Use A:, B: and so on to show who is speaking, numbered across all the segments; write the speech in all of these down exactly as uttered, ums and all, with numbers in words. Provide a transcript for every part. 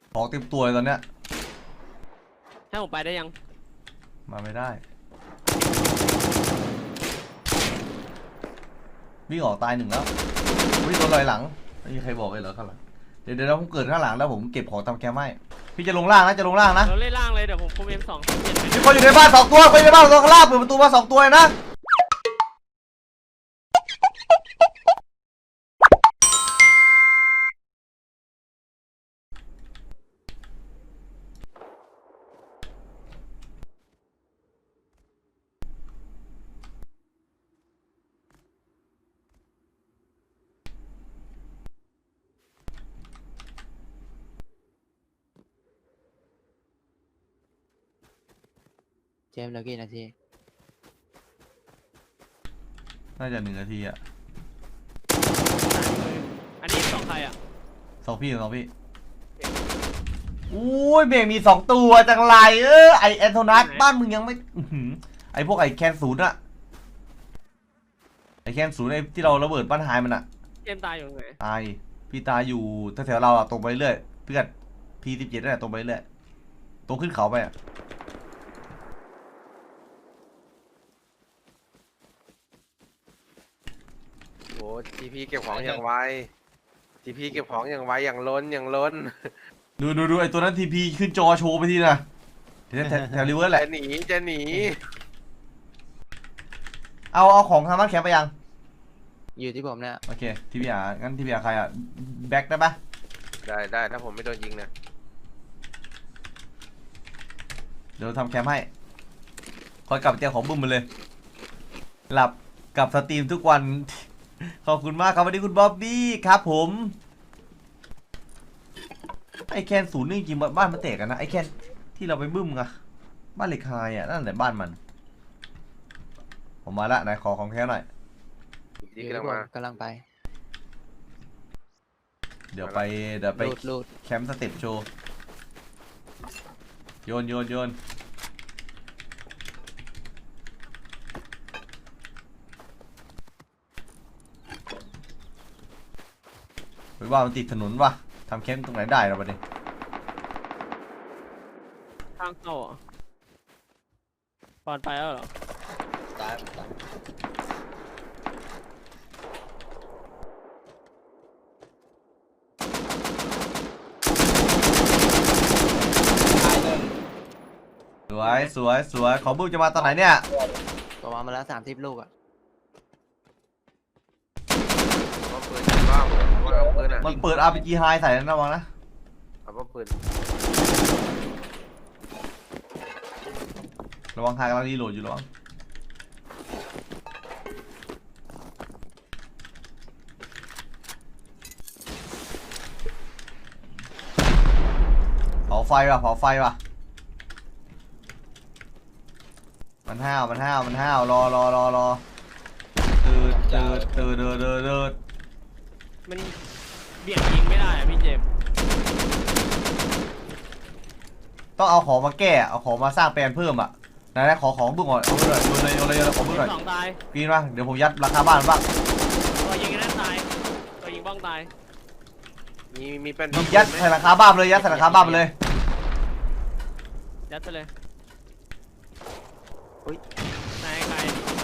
A: ของเต็มตัวเลยตอนเนี้ย
B: ให้ผมไปได้ยัง
A: มาไม่ได้วิ่งออกตายหนึ่งแล้ววิ่งโดนลอยหลังไม่มีใครบอกเลยเหรอข้างหลังเดี๋ยวเดี๋ยวผมเกิดข้างหลังแล้วผมเก็บของทำแคมป์ให้พี่จะลงล่างนะจะลงล่างนะ
B: เราเล่นล่างเลยเดี๋ยวผมคุมเอ็มสอง
A: มีคนอยู่ในบ้านสองตัวคนอยู่ในบ้านสองข้างล่างเปิดประตูมาสองตัวนะ
C: เจมส์เหลือกี่นาที
A: น่าจะหนึ่งนาทีอะ
B: อันนี้สองใครอะ
A: สองพี่สองพี่อุ้ยเบรกมีสองตัวจังไรเออไอแอนโทนัสบ้านมึงยังไม่ไอพวกไอแคนศูนย์อะไอแคนศูนย์ไอที่เราระเบิดบ้านหายมันอะ
B: เจมตายอยู่ไหน
A: ตายพี่ตายอยู่แถวๆเราอะตรงไปเรื่อยเพื่อนพีสิบเจ็ดนั่นแหละตรงไปเรื่อยตรงขึ้นเขาไปอะ
D: โอ้ทีพีเก็บของอย่างไวทีพีเก็บของอย่างไวอย่างล้นอย่างล้น
A: ดูดูดูไอตัวนั้นทีพีขึ้นจอโชว์ไปทีนะแถวแถวริเวอร์แหละ
D: จะหนีจะหนี
A: เอาเอาของทางบ้านแคมป์ไปยัง
C: อยู่ที่ผมเนี่ย
A: โอเคทีพีอางั้นทีพีอาใครอะแบ็คได้ปะ
D: ได้ได้ถ้าผมไม่โดนยิงนะ
A: เดี๋ยวทำแคมป์ให้คอยกลับเจ้าของบึ้มมาเลยหลับกับสตรีมทุกวันขอบคุณมากครับวันนี้คุณบ๊อบบี้ครับผมไอแคนศูนย์นี่จริงบ้านมันแตกกันนะไอแคนที่เราไปบึ้มอะบ้านเหล็กไฮอะนั่นแหละบ้านมันผมมาละไหนขอของแท้หน่อย
D: ที่กำลังมาก
C: ำลังไป
A: เดี๋ยวไปเดี๋ยวไปแคมป์สเต็ปโชว์โยนโยนโยนไปว่ามันติดถนนวะทำแคมป์ตรงไหนได้เราไปดิ
B: ทางเข้าอ่ะปอนไปแล้วเหรอ
C: ตายตาย
A: สวยสวยสวยของบึ้มจะมาตอนไหนเนี่ย
C: ประมาณมาแล้วสามสิบลูกอ่ะ
D: ว่าปืนว่างว่าปืนอ่ะ
A: มันเปิด อาร์ พี จี High ใส่แล้วนะวังนะ
D: เอาว่าปืน
A: ระวัง High กำลังรีโหลดอยู่ระวังเผาไฟว่ะเผาไฟว่ะมันห้าวมันห้าวมันห้าวรอรอรอรอตืดตืดตืดตืดตืดตืด
B: มันเบี่ยงยิงไม่ได้อะพี่เจม
A: ต้องเอาของมาแก้เอาของมาสร้างแปลนเพิ่มอ่ะไหนๆขอของบึ้งก่อนเอาไปเลยโยนเลยโยนเลยโยนเลยของบึ้งหน่อย
B: สองตาย
A: ปีนมาเดี๋ยวผมยัดราคาบ้านบ้าง
B: ตัวยิงนั่นตายตัวยิงบ้องตาย
D: มีมีเป็น
A: ยัดใส่ราคาบ้านเลยยัดใส่ราคาบ้านเลย
B: ยัดไปเลยอุ้ยนายใคร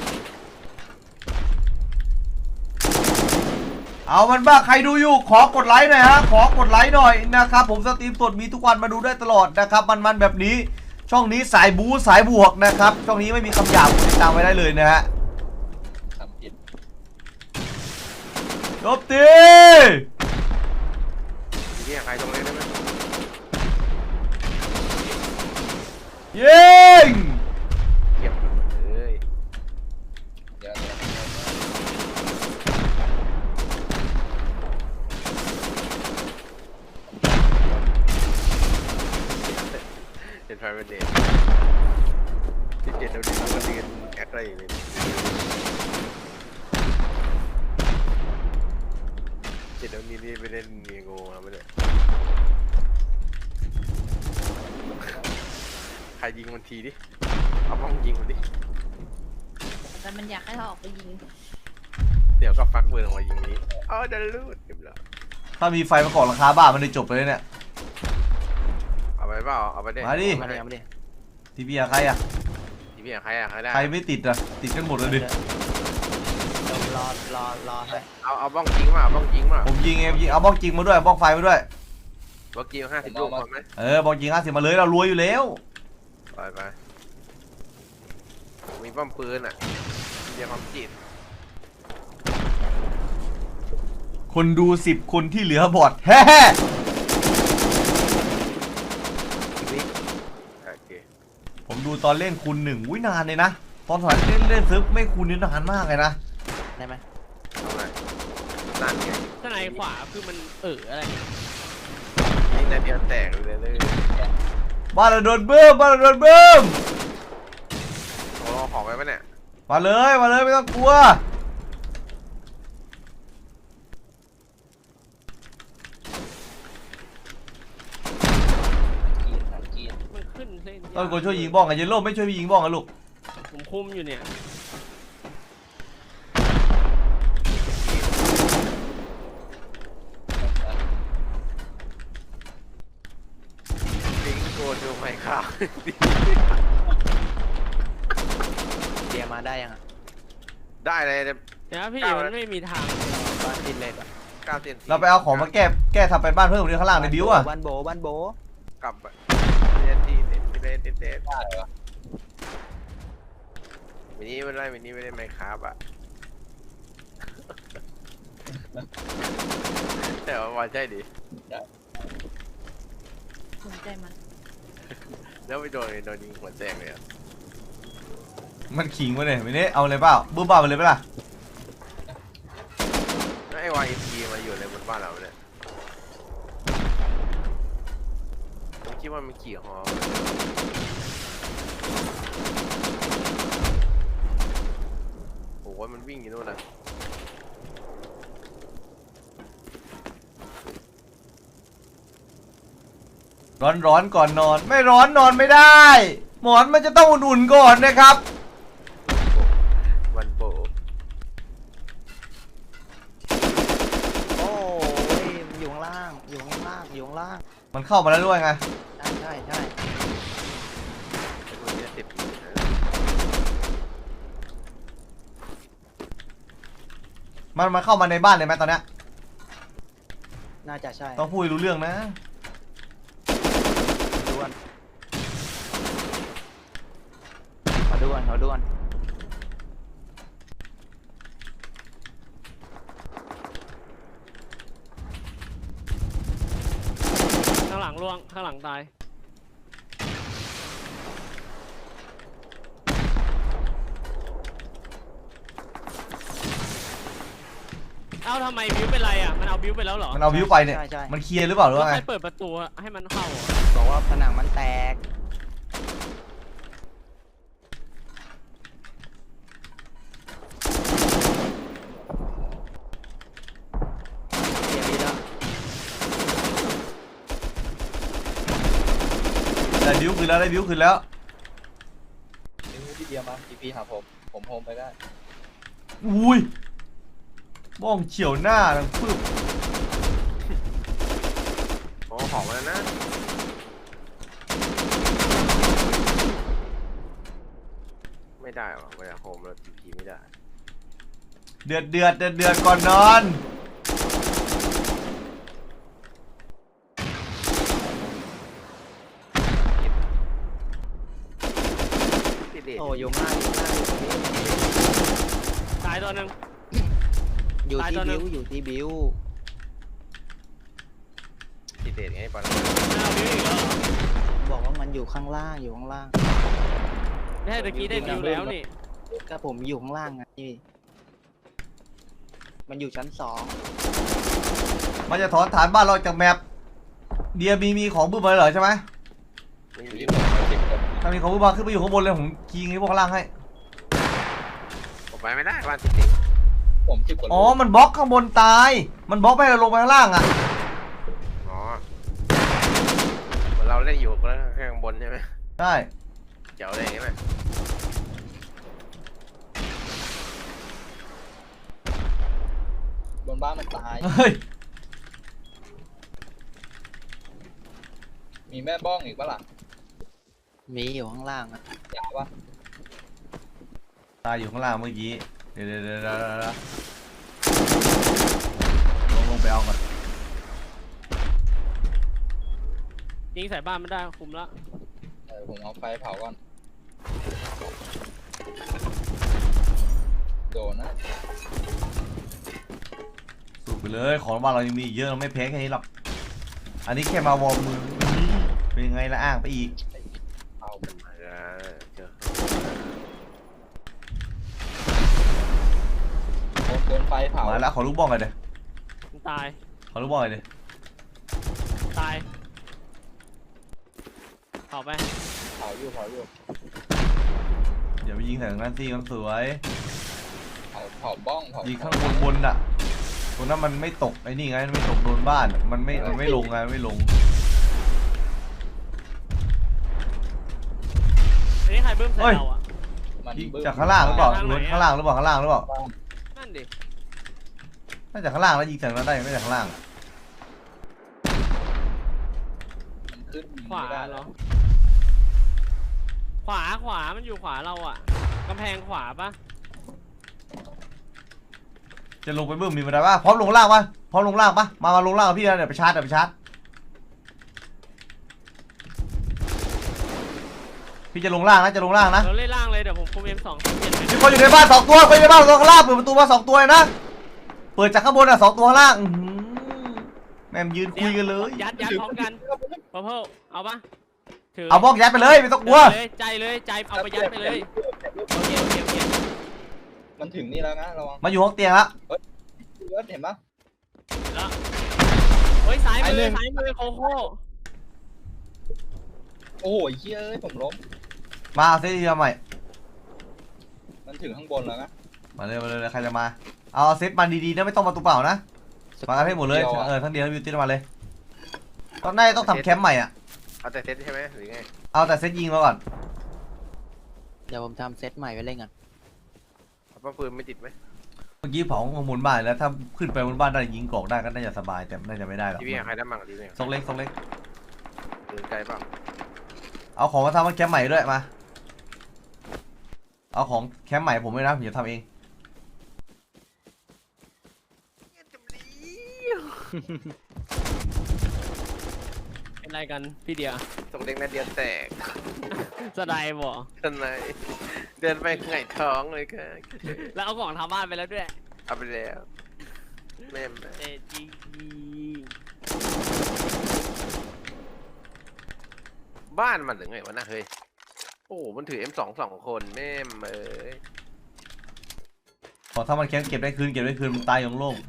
A: เอามันบ้าใครดูอยู่ขอกดไลค์หน่อยฮะขอกดไลค์หน่อยนะครับผมสตรีมสดมีทุกวันมาดูได้ตลอดนะครับมันๆแบบนี้ช่องนี้สายบู๊สายบวกนะครับช่องนี้ไม่มีคำหยาบติดตามไว้ได้เลยนะฮะจบตี
D: นี่ใครตรงนี้ได้ไหม
A: ยิง
D: เก็บเลยเป็นไฟเป็นเดทที่เจ็ดเราดีเราก็ดีกันแอคอะไรอย่างนี้เจ็ดเรานี่นี่ไปเล่นเมียโง่มาไม่ได้ใครยิงมันทีดิเอาบ้องยิงมันดิ
E: แต่มันอยากให้เราออกไปยิง
D: เดี๋ยวก็ฟักปืนออกมายิงนี้อ๋อจะรูดเก็บแล้ว
A: ถ้ามีไฟมาก่อนราคาบ้านมันได้จบไปเลยเนี่ย
D: เปล่าเอาไปดิ
A: มาดิ
C: มาเลยเอามาดิ
A: ทีพีอะใครอะ
D: ทีพี่ใครอะใครได้
A: ใครไม่ติดอะติดกันหมดเลยดิ
C: เดี๋ยวรอรอรอให้
D: เอาเอาบ้องจริงมาเอาบ้องจริงมา
A: ผมยิงเองยิงเอาบ้องจริงมาด้วยบ้องไฟมาด้วย
D: บ้องจริงห้าสิบลูกพอไหม
A: เออบ้องจริงห้าสิบมาเลยเรารวยอยู่แล้ว
D: ไปไปมีป้อมปืนอ่ะเรียกความจิต
A: คนดูสิบคนที่เหลือบอดแฮ่
C: ชีวิต
D: โอเค
A: ผมดูตอนเล่นคูณหนึ่งอุ้ยนานเลยนะตอนสมัยเล่นเล่นซึบไม่คูณนี่นานมากเลยนะ
C: ได้ไหม
D: ทำไมนั่นไง
B: ข้างในขวาคือมันเอออะไร
D: นี่นาเดียวแตกเลยเลย
A: บ้านเราโดนเบิ้มบ้านเราโดนเบิ้ม
D: โอ้ของไปปะเนี่ย
A: มาเลยมาเลยไม่ต้องกลัว
B: มันขึ้นเส้น
A: ต้องคนช่วยยิงบ้องกันเยลโล่ไม่ช่วยพี่ยิงบ้องกันลูก
B: ผมคุมอยู่เนี่ย
D: ลิงโกดูไหมครับ
C: เดียมาได้ยังอ่ะ
D: ได้เลย
B: เดี๋ยวนะพี่มันไม่มีทาง
C: บ้านดินเลยอ่ะ
D: เก้าเซน
A: เราไปเอาของมาแก้แก้ทำเป็นบ้านเพิ่มตรงนี้ข้างล่างในบิวอะ
C: บ้านโบบ้านโบ
D: กลับเซนทีเซนทีเซนทีเซนมินิไม่ได้มินิไม่ได้ไหมครับอ่ะแต่ว่าวันใช่ดิ
E: สนใจมัน
D: แล้วไปโดนโดนยิงหัวแตกเลยอ่ะ
A: มันขิงมาเลยไม่ได้เอาเลยเปล่าบึ้มบ้าไปเลยเปล่า
D: แล้วไอ้วายพีมาอยู่ในบนบ้านเราเนี่ยผมคิดว่ามันขี่ฮอโอ้โหมันวิ่งอยู่นู่นนะ
A: ร้อนร้อนก่อนนอนไม่ร้อนนอนไม่ได้ หมอนมันจะต้องอุ่นๆก่อนนะครับ
D: วันโบ
C: โอ้ยมันอยู่ข้างล่างอยู่ข้างล่างอยู่ข้างล่าง
A: มันเข้ามาแล้วด้วยไง
C: ใช่ใช่ใช่
D: ไอ้พวกนี้สิบปีนะ
A: มันมันเข้ามาในบ้านเลยไหมตอนเนี้ย
C: น่าจะใช่
A: ต้องพูดให้รู้เรื่องนะ
C: ด้วนมาด้วนมาด้วน
B: ข้างหลังล่วงข้างหลังตายเอ้าทำไมบิวเป็นไรอ่ะมันเอาบิวไปแล้วเหรอ
A: มันเอาวิวไปเนี่ย
C: ใช่ใช่
A: มันเคลียร์หรือเปล่าหรือ
B: แล้ว
A: ว่าไง
B: ใครเปิดประตูให้มันเข้าอ่ะ
C: บอกว่าผนังมันแตกเสียดีแล้ว
A: ได้วิวคืนแล้วได้วิวคืนแล้ว
F: พี่เดียมาทีพีหาผมผมโฮมไปได้
A: อุ้ยบ้องเฉียวหน้าดังปึ๊บ
D: โอ้ของมาแล้วนะ ไม่ได้หรอไม่ได้โฮมแล้วทีพีไม่ได้
A: เดือดเดือดเดือดเดือดก่อนนอน
D: ติดเด็ด
C: โอ้อยู่ข้างล่างอยู่ข้างล่าง
B: ตายตัวหนึ่ง
C: อยู่
B: ตาย
C: ที่
B: ตัวหนึ่
C: บิ
B: ง
C: วอยู่ที่บิว
D: ติดเด็ดไงปอน
B: มันเอาบิวอีกแล้วเหรอ
C: บอกว่ามันอยู่ข้างล่างอยู่ข้างล่าง
B: ไม่ใช่ตะกี้ได้บิวแล้วนี่
C: ก็ผมอยู่ข้างล่างไงมันอยู่ชั้นสอง
A: มันจะถอนฐานบ้านเราจากแมปเดียมีมีของบึ้มมาเลยเหรอใช่ไหม
D: ไม่
F: อยู่
D: มี
F: ที่ผมสิบคน
A: ถ้ามีของบึ้มมาขึ้นไปอยู่ข้างบนเลยผมคีงให้พวกข้างล่างให้
D: ผมไปไม่ได้บ้านติดติด
F: ผมสิบคน
A: อ๋อมันบล็อกข้างบนตาย มันบล็อกไม่ให้เราลงไปข้างล่างอ่ะ
D: อ๋อเหมือนเราเล่นอยู่แล้วข้างบนใช่ไหม
A: ใช่
D: เจ๋วเลยใช่ไหม
F: บนบ้านมันตาย
A: เฮ้ย
F: มีแม่บ้องอีกปะล่ะ
C: มีอยู่ข้างล่างอะ
F: ยาวปะ
A: ตายอยู่ข้างล่างเมื่อกี้เดี๋ยวเดี๋ยวเดี๋ยวเดี๋ยวเดี๋ยวลงลงไปเอาก่อน
B: ยิงใส่บ้านไม่ได้คุมละ
F: เออผมเอาไฟเผาก่อนโดนนะ
A: สูบไปเลยของบ้านเรายังมีอีกเยอะเราไม่แพ้แค่นี้หรอกอันนี้แค่มาวอร์มมือเป็นยังไงละอ้างไปอีก
F: เอา
D: มาแล้วเจอ
F: โดนโดนไฟเผา
A: มาแล้วขอลูกบ้องกันเดี๋ยว
B: มันตาย
A: ขอลูกบ้องกันเดี๋ยว
B: ตายเผาไป
F: เผาอยู่เผาอยู่
A: อย่าไปยิงแต่งนั้นสิมันสวย
F: เผาเผาบ้องเผา
A: ยิงข้างบนบนอ่ะตรงนั้นมันไม่ตกไอ้นี่ไงมันไม่ตกโดนบ้านมันไม่มันไม่ลงไงมันไม่ลง
B: อันนี้ใครเบิ้มใส่เราอ่ะ
F: มัน
A: ยิง
F: บึ้ม
A: จากข้างล่างหรือเปล่า
B: ข้าง
A: ห
B: ไหน
A: รือ
B: อะ
A: ข้างล่างหรือเปล่าข้างล่างหรือเปล่า
B: นั่นดิ
A: น่าจะข้างล่างแล้วยิงจากนั้นได้ไม่จากข้างล่างอะ
F: มันขึ้น
B: ขวา
F: ไม่ได้
B: เหรอขวาขวามันอยู่ขวาเราอ่ะกำแพงขวาปะ
A: จะลงไปบึ้มมีบันไดป่ะพร้อมลงล่างป่ะพร้อมลงล่างป่ะมามาลงล่างกับพี่นะเดี๋ยวไปชาร์จเดี๋ยวไปชาร์จพี่จะลงล่างนะจะลงล่างนะ
B: เราเล่นล่างเลยเดี๋ยวผมคุมเอ็มสองเปลี่ยนเป็น
A: มีคนอยู่ในบ้านสองตัวคนอยู่ในบ้านสองข้างล่างเปิดประตูมาสองตัวเลยนะเปิดจากข้างบนอ่ะสองตัวข้างล่างอื้อหือแม่มยืนคุยกันเลย
B: ยัดยัดพร้อมกันพอเพิ่มเอาปะถือ
A: เอาบล็อกยัดไปเลยไม่ต้องกลัว
B: เลยใจเลยใจเอาไปยัดไปเลยโอเคโอเคโอเค
F: มันถึงนี่แล้วนะระวัง
A: มาอยู่ห้องเตียงแล้ว
F: เลือดเห็นปะ
B: แล้วเฮ้ยซ้าย
F: ไอ้
B: มื
F: หนึ่
B: อง ซ้ายมือโคโค่
F: โอ้โหเฮ้ยเอ้ยผมล้ม
A: มาเอาเซตทีมาใหม่
F: มันถึงข้างบนแล้วนะ
A: มาเลยมาเลยใครจะมาเอาเซตมาดีๆนะไม่ต้องมาตัวเปล่านะมากันให้หมดเลยเออทั้งเดียวทั้งบิวตี้มาเลยตอนแรกต้องทำแคมป์ใหม่อ่ะ
D: เอาแต่เซตใช่ไหมหรือไง
A: เอาแต่เซตยิงมาก่อน
C: เดี๋ยวผมทำเซตใหม่ไว้เล่นกัน
D: เอาป้าปืนไม่ติดไหม
A: เมื่อกี้เผาข้างบนบ้านแล้วถ้าขึ้นไปบนบ้านได้ยิงกรอกได้ก็น่าจะสบายแต่น่าจะไม่ได้หรอก
D: ทีวีใครได้มั่งทีวี
A: ซกเล็กซกเล็ก
D: หรือไกลเปล่า
A: เอาของมาทำแคมป์ใหม่ด้วยมาเอาของแคมป์ใหม่ผมไม่นะผมจะทำเอง
B: เป็นไรกันพี่เดีย
D: ส่งเด็กนาเดียแตก
B: สไลด์บ่
D: ข้างในเดินไปไงท้องเลยค่ะ
B: แล้วเอาของทำบ้านไปแล้วด้วย
D: เอาไปแล้วแม่แม่
B: เอจี
D: บ้านมันหรือไงวะนะเฮ้ยโอ้มันถือ เอ็ม สอง สองคนแม่เอ้ย
A: ขอถ้ามันแคมป์เก็บได้คืนเก็บได้คืนมันตายอย่างโล่ง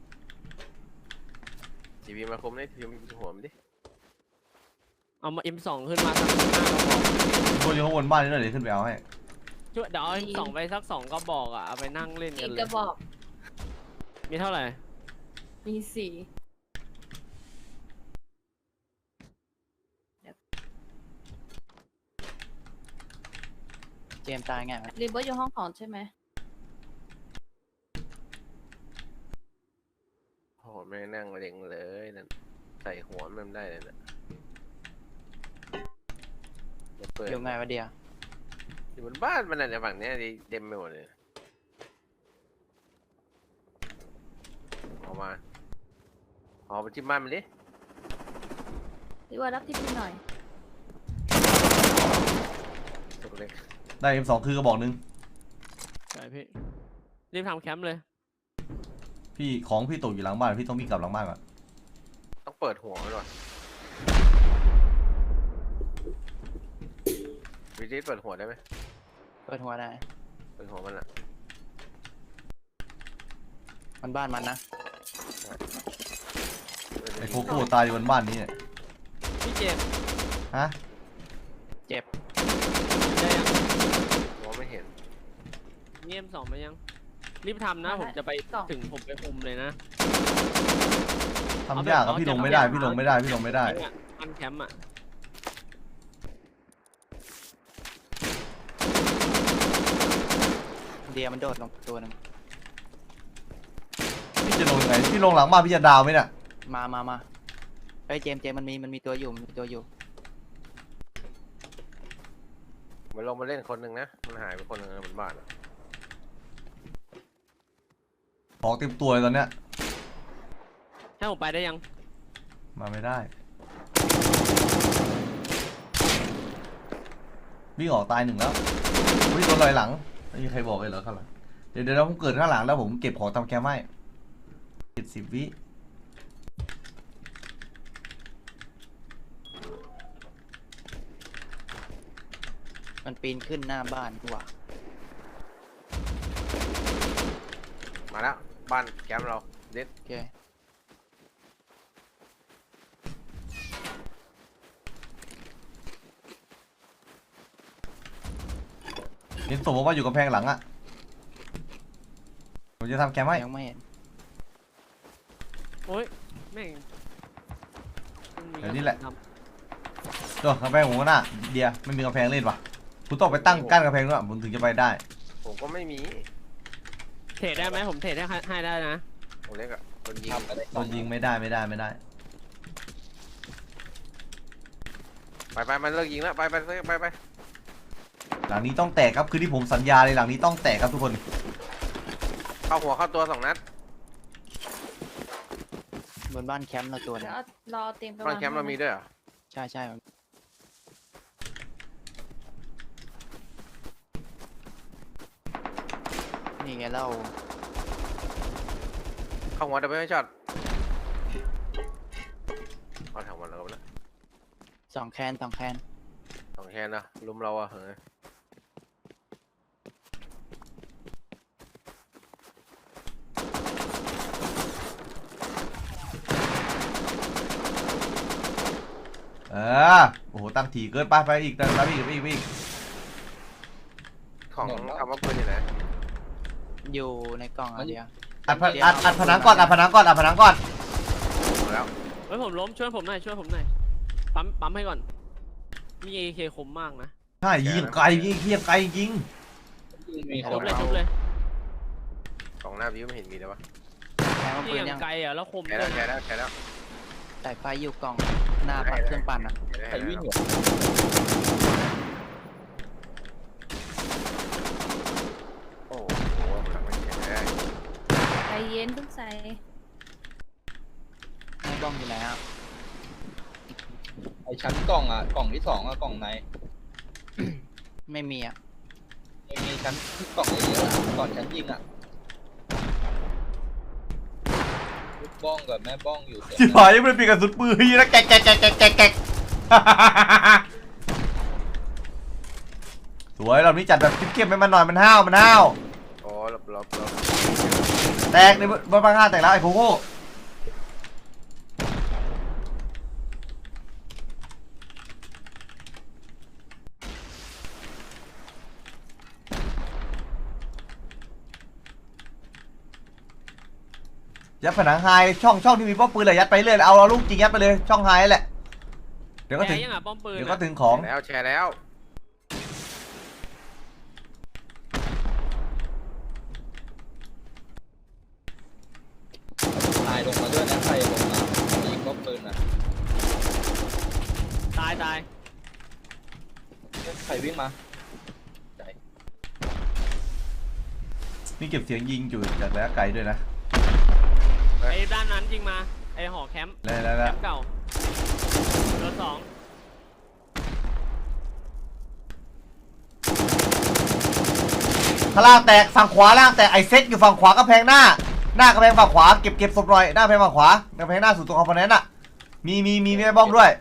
D: ทีวีมาคมได้ทีวีหัวมันดิ
B: เอามาเอ็มสองขึ้นมาสักห้ากระบอก
A: บนอยู่ข้างบนบ้านนี่หน่อยเดี๋ยวขึ้นไปเอาให้
B: ช่วยเดี๋ยวเอาเอ็มสองไปสักสองกระบอกอ่ะเอาไปนั่งเล่น
E: อี
B: กัน
E: ก
B: เล
E: กระ
B: ย
E: บอก
B: มีเท่าไหร่
E: มีสี่
C: เจมส์ตายไงวะ
E: รีเบิร์ตอยู่ห้องของใช่ไหม
D: โอ้แม่นั่งเล็งเลยนั่นใส่หัวมันได้เลยนะเปิด
C: อยู่ไงวะเดีย
D: อยู่บนบ้านมันน่ะในฝั่งเนี้ยเต็มไปหมดเลยออกมาออกไปที่บ้านมันดิ
E: รีเบิร์ตรับที่พี่หน่อย
D: ตกเล็ก
A: ได้ เอ็ม สอง คือกระบอกหนึง
B: ใช่พี่รีบทำแคมป์เลย
A: พี่ของพี่ตกอยู่หลังบ้านพี่ต้องวิ่งกลับหลังบ้านก่อน
D: ต้องเปิดหัวมันว่ะวิธีเปิดหัวได้ไหม
C: เปิดหัวได้
D: เปิดหัวมันอ่ะ
C: มันบ้านมันนะ
A: ไอ้โคโค่ตายอยู่บนบ้านนี้เนี่ย
B: พี่เจมส์
A: ฮะ
B: ได้ยัง
D: มองไม่เห็น
B: นี่เอ็มสองไปยังรีบทำนะผมจะไปถึงผมไปคุมเลยนะ
A: ทำยากอะพี่ลงไม่ได้พี่ลงไม่ได้พี่ลงไม่ได้
B: เนี่ยอันแคมป์อ่ะ
C: เดียมันโดดลงตัวหนึง
A: พี่จะลงยังไงพี่ลงหลังบ้านพี่จะดาวไหมเนี่ย
C: มามามาเฮ้ยเจมส์เจมส์มันมีมันมีตัวอยู่มันมีตัวอยู่
D: มันลงมาเล่นคนหนึ่งนะมันหายไปคนหนึ่งบนบ้านอะ
A: ของเต็มตัวเลยตอนเนี้ย
B: ให้ผมไปได้ยัง
A: มาไม่ได้วิ่งออกตายหนึ่งแล้ววิ่งตัวลอยหลังไม่มีใครบอกเลยเหรอข้างหลังเดี๋ยวเดี๋ยวผมเกิดข้างหลังแล้วผมเก็บของทำแคมป์ให้เจ็ดสิบวิ
C: มันปีนขึ้นหน้าบ้านดีกว่า
D: มาแล้วบ้านแคมป์เราเด็ด
C: โอเค
A: เห็นศพบอกว่าอยู่กำแพงหลังอะผมจะทำแคมป์ให้
C: ยังไม่เห็น
B: โอ้ยแม่ง
A: เดี๋ยวนี้แหละโดนกำแพงผมก็น่าเดียไม่มีกำแพงเล่นปะคุณต้องไปตั้งกั้นกำแพงด้วยผมถึงจะไปได้
D: ผมก็ไม่มี
B: เทรดได้ไหมผมเทรดได้ให้ได้นะ
D: ผมเล็กอะโดนยิง
F: ทำไปได้
A: โดนยิงไม่ได้ไม่ได้ไม่ได้
D: ไปไปมันเลิกยิงแล้วไปไปไปไป
A: หลังนี้ต้องแตกครับคือที่ผมสัญญาเลยหลังนี้ต้องแตกครับทุกคน
D: เข้าหัวเข้าตัวสองนัด
C: บนบ้านแคมป์เราตัวหนึ
E: เดี๋
C: ง
E: ยวเอารอเตรียมไป
D: บ้านแคมป์เรามีด้วยเหรอ
C: ใช่ใช่นี่ไงเล่า
D: เข้าหัวดับเบิลช็อตเอาถังมันแล้วนะ
C: สองแคนสองแคน
D: สองแคนนะลุมเราอะเฮ้ย
A: เออโอ้โหตั้งถี่เกินไปไปอีกตั้งไปอีกไปอีกไปอีก
D: ของคำว่าปืนอยู่ไหน
C: อยู่ในกล่องอันเดียว
A: อัดผอัดอัดผนังก่อนอัดผนังก่อนอัดผนังก่อน
D: หมดแล้ว
B: เฮ้ยผมล้มช่วยผมหน่อยช่วยผมหน่อยปั๊มปั๊มให้ก่อนมีเอเคคมมากนะ
A: ใช่ยิงไกลยิงเทียบไกลยิง
F: มีค
B: ชุ
F: น
B: บเลยชุบเลย
D: กล่องหน้าวิวไม่เห็นมีเลยวะ
C: แคนว่า
B: ที่
C: ปืน
B: อย่าง
C: ยัง
B: ไกลอ่ะแล้วคม
D: แค่
B: ด้
D: แล้ว วย แค่
B: นะ
D: แล้วแค่แล้ว
C: สายไฟอยู่กล่องหน้าปัดเครื่องปั่นอ่ะ
F: ใครวิ่งอยู่
D: โอ้โหหลังไม่เห็นได้
E: ใจเย็นเพิ่งใส่
C: หน้าบ้องอยู่ไหนอ่ะ
F: ไอชั้นกล่องอ่ะกล่องที่สองอ่ะกล่องไหน
C: ไม่มีอ่ะ
F: ไม่มีชั้นที่กล่องเยอะๆอะก่อนชั้นยิงอ่ะลูกบ้องกับแม่บ้องอยู่เต็ม
A: ชิบหายยังไม่ได้เปลี่ยนกระสุนปืนนะแกะแกะแกะแกะแกะแกะสวยเรานี้จัดแบบเข้มๆให้มันหน่อยมันห้าวมันห้าว
D: โอ้หลบหลบหลบ
A: แตกในบนบ้านห้าแตกแล้วไอ้โคโค่ยัดผนังไฮช่องช่องที่มีป้อมปืนเลยยัดไปเรื่อยเอาเอาลูกจริงยัดไปเลยช่องไฮแหละเดี๋ยวก็
B: แก
A: ถึง
B: ยังอ่ะป้อมปืน
A: เดี๋ยว
B: อะ
A: ก็ถึงของ
D: แชร์แล้วแชร์แล้ว
F: ตายลงมาด้วยนะใครลงมายิงก็ปืนอ่ะ
B: ตายตาย
F: ใครวิ่งมา
A: นี่เก็บเสียงยิงอยู่จากระยะไกลด้วยนะ
B: ไอ้ด้านนั้นยิงมาไอ้หอแคมป์
A: แล้วแล้ว
B: แค
A: แล้ว
B: มป์เก่าเบอร์สอง
A: ข้างล่างแตกฝั่งขวาล่างแตกไอเซ็ตอยู่ฝั่งขวากระแพงหน้าหน้ากระแพงฝั่งขวาเก็บเก็บศพหน่อยหน้ากระแพงฝั่งขวากระแพงหน้าสู่ตัวคอมโพเนนต์อ่ะมีมีมีแม่บ้องด้วย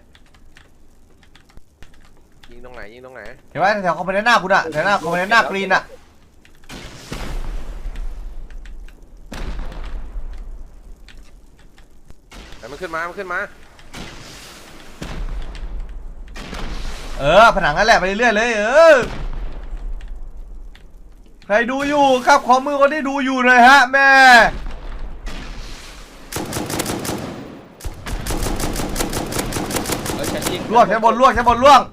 D: ยิงตรงไหนยิงตรงไหน
A: เห็นไหมแถวคอมโพเนนต์หน้าคุณอ่ะแถวหน้าคอมโพเนนต์หน้ากรีนอ่ะ
D: แต่มันขึ้นมามันขึ้นมา
A: เออผนังนั่นแหละไปเรื่อยๆเลยเออใครดูอยู่ครับขอมือคนที่ดูอยู่หน่อยฮะแม่
F: เออชั้นยิง
A: ลวกใช้บนลวกใช้บนลวก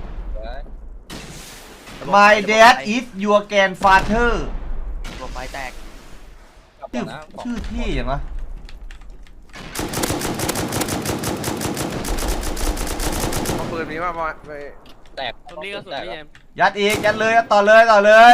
A: My dad is your grandfather
C: ตัวไฟแตก
F: กลับ
A: ชื่อ
F: นะ
A: ชื่อที่อย่างวะ
D: นมีว่าไป
F: แตก
B: ผมนี่ก็สุดพี่เอ็ม
A: ยัดอีกยัดเลยยัดต่อเลยต่อเลย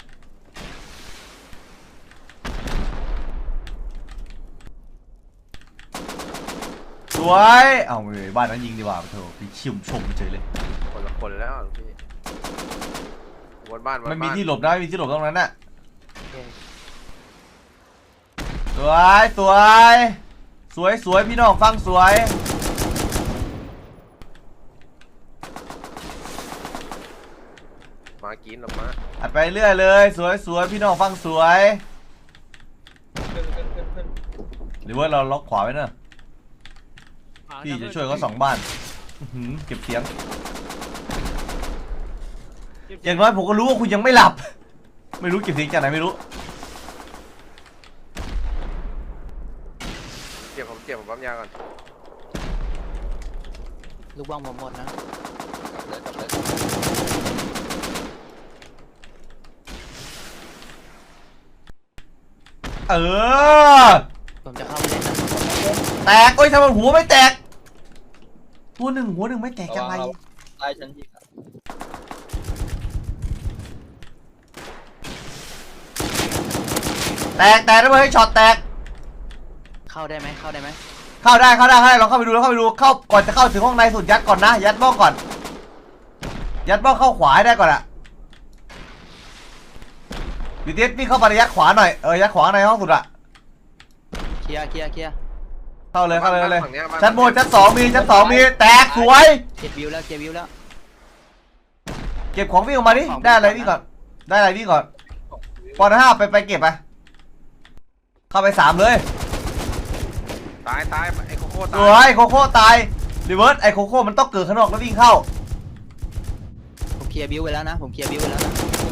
A: สวยเอ้าไม่บ้านนั้นยิงดีกว่าเถอะพี่ชิมชมเฉยเลย
D: คนละคนแล้วพี่บนบ้านบนบ้าน
A: มันมีที่หลบนะไม่มีที่หลบตรงนั้นน่ะสวยสวยสวยสวยพี่น้องฟังสวย
D: มากินหรอกมา
A: อัดไปเรื่อยเลยสวยสวยพี่น้องฟังสวย
F: ขึ้นขึ้นขึ้นขึ้น
A: หรือว่าเราล็อกขวาไว้เนอะพี่จะช่วยเขาสองบ้านอื้อหือเก็บเสียงอย่างน้อยผมก็รู้ว่าคุณยังไม่หลับ ไม่รู้เก็บเสียงจากไหนไม่รู้
D: เจ็บผมเจ็บผมปั๊มยาก่อน
C: ลูกบ้องผมหมดนะ
F: กลับเลยกลับเลย
A: เออ
C: ผมจะเข้าไปเล่นนะ
A: แตกโอ้ยทำไมหัวไม่แตกหัวหนึ่งหัวหนึ่งไม่แตกยังไง
F: ใต้ชั้นยิง
A: แตกแตกแล้วเฮ้ยช็อตแตก
C: เข้าได้ไหมเข้าได้ไหม
A: เข้าได้เข้าได้เข้าได้ลองเข้าไปดูลองเข้าไปดูเข้าก่อนจะเข้าถึงห้องในสุดยัดก่อนนะยัดบ้องก่อน ยัดบ้องเข้าขวาให้ได้ก่อนอะดิเทสพี่เข้าไปยัดขวาหน่อยเออยัดขวาในห้องสุดอะ
C: เคลียร์เคลียร์เคลียร์
A: เข้าเลยเข้าเลยเข้าเลย
D: ฝั่งนี้บ้า
A: ชั้นบนชั้นสองมีชั้นสองมีแตกสวย
C: เก็บวิวแล้วเก็บวิวแล้ว
A: เก็บของวิ่งออกมาดิได้อะไรวิ่งก่อนได้อะไรวิ่งก่อนปอนห้าไปไปเก็บไปเข้าไปสามเลย
D: ตายตายไอ้โคโค่
A: ส
D: ตา
A: วย ยโคโค่ตายรีเวิร์สไอโคโค่มันต้องเกิดข้างนอกแล้ววิ่งเข้า
C: ผมเคลียร์วิวไปแล้วนะผมเคลียร์วิวไปแล้วนะ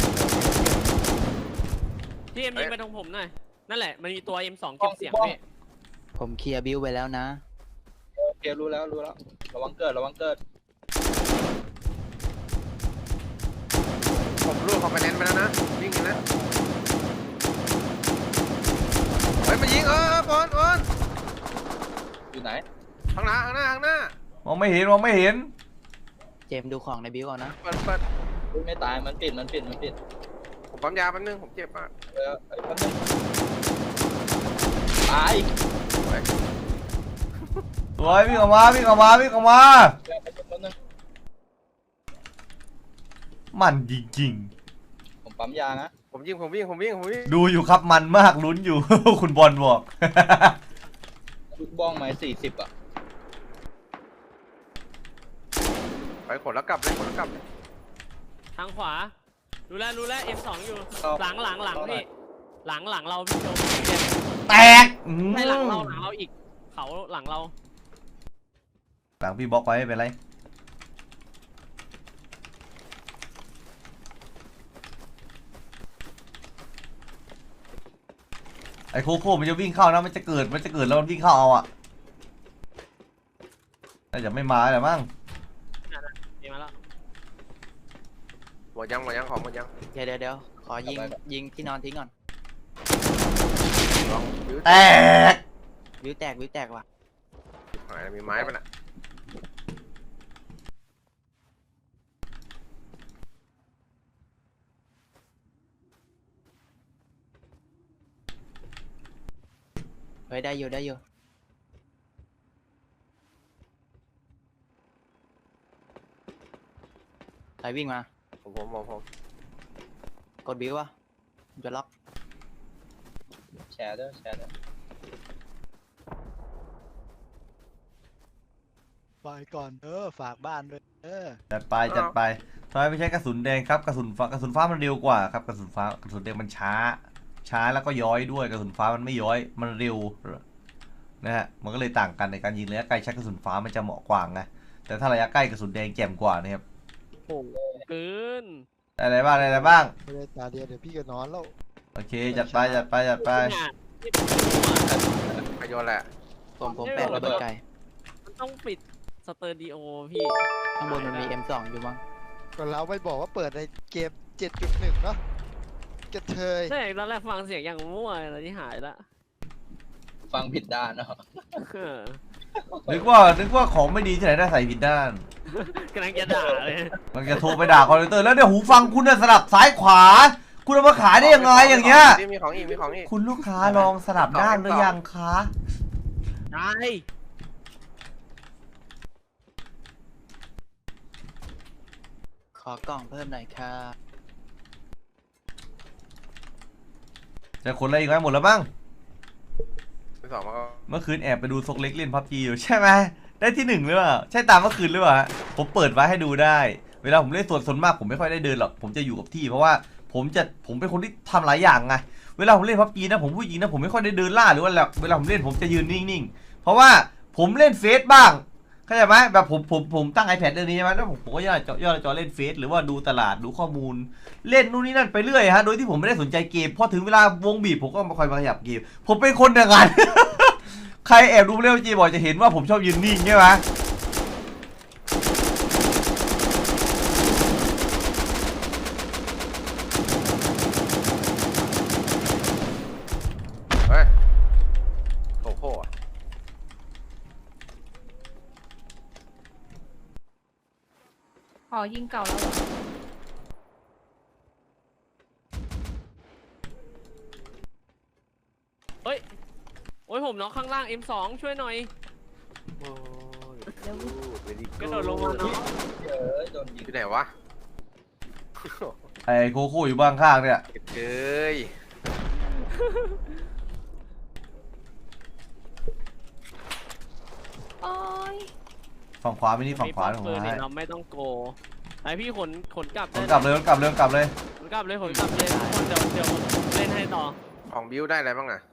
B: พี่เอ็มยิงไปตรงผมหน่อยนั่นแหละมันมีตัว เอ็ม สอง เก็บเสียงพี่
C: ผมเคลียร์วิวไปแล้วนะ
F: โอเครู้แล้วรู้แล้วระวังเกิดระวังเกิด
D: ผมรูดคอมเพลนไปแล้วนะวิ่งอย่างนะเฮ้ยมายิงเออบอลบอล
F: อยู่ไหน
D: ข้างหน้าข้างหน้าข้างหน้าม
A: องไม่เห็นมองไม่เห็น
C: เจมส์ดูของในวิวก่อนนะ
D: เปิดเปิด
F: อุ๊ยไม่ตายมันปิดมันปิดมันปิด
D: ผมปั๊มยาแป๊บนึงผมเจ็บมาก
F: เออไอ้แป๊บนึงตาย
A: สวยวิ่งออกมาวิ่งออกมาวิ่งออกมา
F: แป๊บนึงแป๊บนึง
A: มันจริง
F: ผมปั๊มยานะ
D: ผมยิงผมวิ่งผมวิ่งผมวิ่ง
A: ๆดูอยู่ครับมันมากลุ้นอยู่ คุณบอลบอก
F: ลูกบ้องไม้สี่สิบอ่ะ
D: ไปขนแล้วกลับเลยขนแล้วกลับเลย
B: ทางขวารู้แล้วรู้แล้ว เอ็ม สอง อยู่หลังหลังหลังพี่หลังหลังเราพี่โจม
A: แตกอื้อ
B: ให้หลังเราหลังเราอีกเขาหลังเรา
A: หลังพี่บล็อกไว้ไม่เป็นไรไอโคโค่มันจะวิ่งเข้านะมันจะเกิดมันจะเกิดแล้วมันวิ่งเข้าเอาอะแต่จะไม่มาแหละมั้ง
B: ดีมาแล้ว
D: หมดยังหมดยังของหมดยัง
C: เดี๋ยวเดี๋ยวเดี๋ยวขอยิงยิงที่นอนทิ้งก่อน
D: ลองยืด
A: แตก
C: วิวแตกวิวแตกว่ะ
D: หายมีไม้ปะน่ะ
C: เฮ้ยได้อยู่ได้อยู่ใครวิ่งมา
D: ผมผมผมผม
C: กดวิวอ่ะผมจะล็อก
F: แชร์ด้วยแชร์ด้วย
G: ไปก่อนเออฝากบ้านด้วยเออ
A: จัดไปจัดไปทำไมไม่ใช้กระสุนแดงครับกระสุนฟ้ากระสุนฟ้ามันเร็วกว่าครับกระสุนฟ้ากระสุนแดงมันช้า ช้าแล้วก็ย้อยด้วยกระสุนฟ้ามันไม่ย้อยมันเร็วนะฮะมันก็เลยต่างกันในการยิงระยะไกลใช้กระสุนฟ้ามันจะเหมาะกว่าไงแต่ถ้าระยะใกล้กระสุนแดงแจ่มกว่านะครับ
B: โอ้เกิน
A: ได้อะไรบ้างได้อะไรบ้าง
G: ไม่ได้ตาเดียวเดี๋ยวพี่ก็นอนแล้ว
A: โอเคจัดไปจัดไปจัดไป
D: ประโยชน์แหละ
C: ผมผมแปะระเบิดไกล
B: มันต้องปิดสเตอร์ดิโอพี่
C: ข้างบนมันมี เอ็ม สอง อยู่มั้ง
G: ก็เราไม่บอกว่าเปิดในเกม เจ็ดจุดหนึ่ง เนาะกระเทย
B: ใช่ตอนแรกฟังเสียงอย่างมั่วตอนนี้หายละ
F: ฟังผิดด้านเนาะ
B: เออ
A: นึกว่านึกว่าของไม่ดีที่ไหนได้ใส่ผิดด้าน
B: กำลังจะด่าเลย
A: มันจะโทรไปด่าคอลเตอร์แล้วเนี่ยหูฟังคุณน่ะสลับซ้ายขวา คุณเอามาขายได้ยังไงอย่างเงี้ย
D: มีของอีกมีของอีก
A: คุณลูกค้าลองสลับด้านหรือยังคะ
B: ได้
C: ขอกล่องเพิ่มหน่อยค่ะ
A: จะคนอะไรอีกไหมหมดแล้วบ้าง
D: ที่สองมาก็
A: เมื่อคืนแอบไปดูซกเล็กเล่นพับจีอยู่ใช่ไหมได้ที่หนึ่งหรือเปล่าใช่ตามเมื่อคืนหรือเปล่าฮะผมเปิดไว้ให้ดูได้ เวลาผมเล่นส่วนส่วนมากผมไม่ค่อยได้เดินหรอกผมจะอยู่กับที่เพราะว่าผมจะผมเป็นคนที่ทำหลายอย่างไงเวลาผมเล่นพับจีนะผมผู้หญิงนะผมไม่ค่อยได้เดินล่าหรือว่าเวลาผมเล่นผมจะยืนนิ่งๆเพราะว่าผมเล่นเฟซบ้างเข้าใจไหมแบบผมผมผมตั้ง iPad เรื่องนี้ใช่ไหมแล้วผมผมก็ย่อจอย่อจอเล่นเฟซหรือว่าดูตลาดดูข้อมูล เล่นนู่นนี่นั่นไปเรื่อยฮะโดยที่ผมไม่ได้สนใจเกมพอถึงเวลาวงบีบผมก็มาคอยมาขยับเกมผมเป็นคนอย่างนั้น ใครแอบดูเล่นจีบอกจะเห็นว่าผมชอบยืนนิ่งใช่ไหม
D: เฮ้ยโอ้โหอะ
E: ขอยิงเก่าแล้วเหรอ
B: เฮ้ยโอ้ยผมน็อกข้างล่าง เอ็ม สอง ช่วยหน่อย
D: โอ้ย
E: เร็ว
D: เวลี่
B: กระโดดลงมาเนาะ
F: เออโดนยิง
D: ที่ไหนวะ
A: ไอ้โคโค่อยู่บ้างข้างเนี่ย
D: เอ้ย
E: โอ้ย
A: ฝั่งขวาไม่นี่ฝั่งขวา
B: มี
A: ของ
B: ปืน
A: ผม
B: เนี่
A: ให้
B: ยเราไม่ต้องโกไอพี่ขนขนกลับ
A: ข
B: ได้
A: นกลับเลยขนกลับเลยขนกลับเลย
B: ขนกลับเลยขนกลับเลยทุกคนเดี๋ยวเดี๋ยวเล่นให้ต่อ
D: ของบิวได้อะไรบ้างน่ะ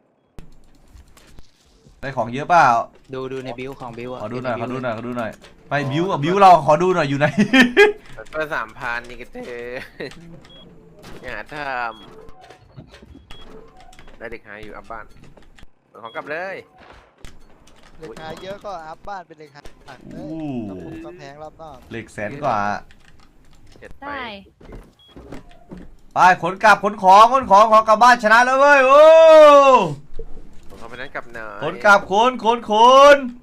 A: ได้ของเยอะเปล่า
C: ดูดูในบิวของบิวอะ
A: ขอดูหน่อยขอดูหน่อยขอดูหน่อยไปบิวอ่ะบิวเราขอดูหน่อยอยู่ไหน
D: เปิดสามพันนี่กันเถอะอย่าทำได้เด็กหายอยู่อัพบ้านเอาของกลับเลย
G: เหล็กหายเยอะก็อัพบ้านเป็นเหล็กหายหนักเล
A: อู้
G: ยกระปุกกระแพงรอบนอก
A: เหล็กแสนกว่า
D: เจ็ดไป
E: ได้
A: ไปขนกลับขนของขนของของกลับบ้านชนะแล้วเว้ยโอ้
D: ผมเอาไปนั้นกลับหน่อย
A: ขนกลับขนขนขน